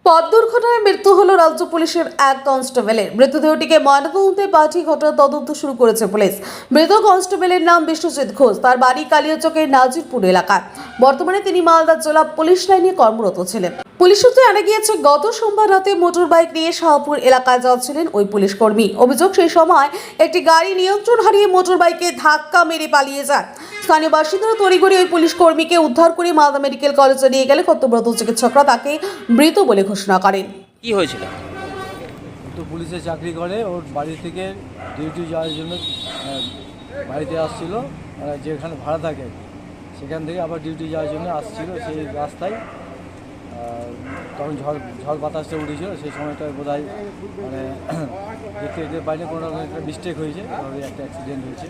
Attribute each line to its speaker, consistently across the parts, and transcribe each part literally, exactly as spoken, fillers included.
Speaker 1: পথ দুর্ঘটনায় মৃত্যু হলো রাজ্য পুলিশের এক কনস্টেবলের। মৃতদেহটিকে ময়নাতদন্তে পাঠিয়ে ঘটনার তদন্ত শুরু করেছে পুলিশ। মৃত কনস্টেবলের নাম বিশ্বজিৎ ঘোষ। তার বাড়ি কালিয়াচকের নাজিরপুর এলাকায়। বর্তমানে তিনি মালদা জেলা পুলিশ লাইনে কর্মরত ছিলেন। পুলিশ সূত্রে জানা গিয়েছে, গত সোমবার রাতে মোটর বাইক নিয়ে শাহপুর এলাকায় যাচ্ছিলেন ওই পুলিশ কর্মী। অভিযোগ, সেই সময় একটি গাড়ি নিয়ন্ত্রণ হারিয়ে মোটর বাইকে ধাক্কা মেরে পালিয়ে যায়। স্থানীয় বাসিন্দারা তড়িঘড়ি ওই পুলিশ কর্মীকে উদ্ধার করে মালদা মেডিকেল কলেজে নিয়ে গেলে কর্তব্যরত চিকিৎসকরা তাকে মৃত বলে ঘোষণা করেন।
Speaker 2: কি হয়েছিল?
Speaker 3: তো পুলিশে চাকরি করে, ওর বাড়ি থেকে ডিউটি যাওয়ার জন্য আহ, বাড়িতে আসছিল, মানে যেখানে ভাড়া থাকে সেখান থেকে আবার ডিউটি যাওয়ার জন্য আসছিল। সেই রাস্তায় আহ, তখন ঝড় ঝড় বাতাসটা উঠেছিল, সেই সময়টায় বোধ হয় মানে দেখতে দেখতে পাইনি, কোনো রকম একটা মিস্টেক হয়েছে, তাহলে একটা অ্যাক্সিডেন্ট হয়েছে।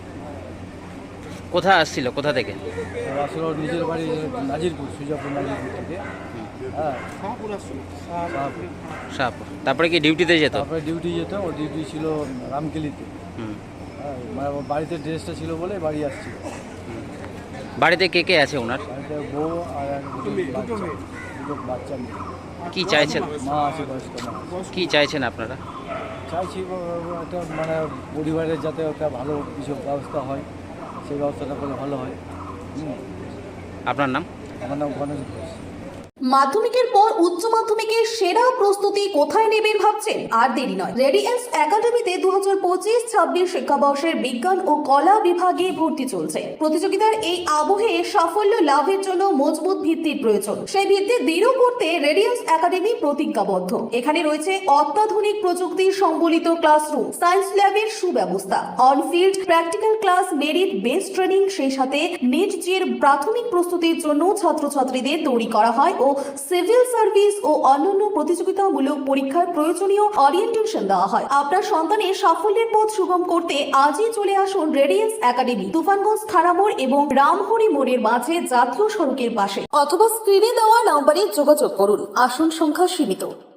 Speaker 2: কোথায় আসছিল, কোথা থেকে?
Speaker 3: তো আসলে ওর নিজের বাড়ি নাজিরপুর, সুজাপুর নাজিরপুর থেকে। হ্যাঁ, শাহপুর।
Speaker 2: শাহপুর। তারপরে কি ডিউটিতে যেত?
Speaker 3: তারপরে ডিউটি যেত, ওর ডিউটি ছিল রামকেলিতে।
Speaker 2: হুম।
Speaker 3: হ্যাঁ, মানে ওর বাড়িতে ড্রেসটা ছিল বলে বাড়ি আসছিল।
Speaker 2: বাড়িতে কে কে আছে ওনার?
Speaker 3: বাড়িতে বউ আর এক বাচ্চা, দুটো বাচ্চা মেয়ে।
Speaker 2: কি চাইছেন?
Speaker 3: মা আছে, বয়স্ক মা আছে।
Speaker 2: কি চাইছেন আপনারা?
Speaker 3: চাইছি ও- একটা মানে পরিবারের যাতে একটা ভালো কিছু ব্যবস্থা হয়, সেই ব্যবস্থাটা করলে ভালো হয়। হুম।
Speaker 2: আপনার নাম?
Speaker 3: আমার নাম গণেশ ঘোষ।
Speaker 1: মাধ্যমিকের পর উচ্চ মাধ্যমিকের সেরা প্রস্তুতি কোথায় নেবেন ভাবছেন? আর দেরি নয়, রেডিয়েন্স একাডেমিতে দু হাজার পঁচিশ ছাব্বিশ শিক্ষাবর্ষের বিজ্ঞান ও কলা বিভাগে ভর্তি চলছে। প্রতিযোগিতার এই আবহে সাফল্য লাভের জন্য মজবুত ভিত্তির প্রয়োজন। সেই ভিত্তি দৃঢ় করতে রেডিয়েন্স একাডেমি প্রতিজ্ঞাবদ্ধ। এখানে রয়েছে অত্যাধুনিক প্রযুক্তি সম্বলিত ক্লাসরুম, সায়েন্স ল্যাবের সুব্যবস্থা, on field practical class, merit base training, সেই সাথে নিট জির প্রাথমিক প্রস্তুতির জন্য ছাত্রছাত্রীদের তৈরি করা হয় ও সিভিল সার্ভিস ও অন্যান্য প্রতিযোগিতামূলক পরীক্ষার প্রয়োজনীয় অরিয়েন্টেশন দেওয়া হয়। আপনার সন্তানের সাফল্যের পথ সুগম করতে আজই চলে আসুন রেডিয়েন্স একাডেমি, তুফানগঞ্জ থানামোড় এবং রামহরি মোড়ের মাঝে জাতীয় সড়কের পাশে, অথবা স্ক্রিনে দেওয়া নম্বরে যোগাযোগ করুন। আসন সংখ্যা সীমিত।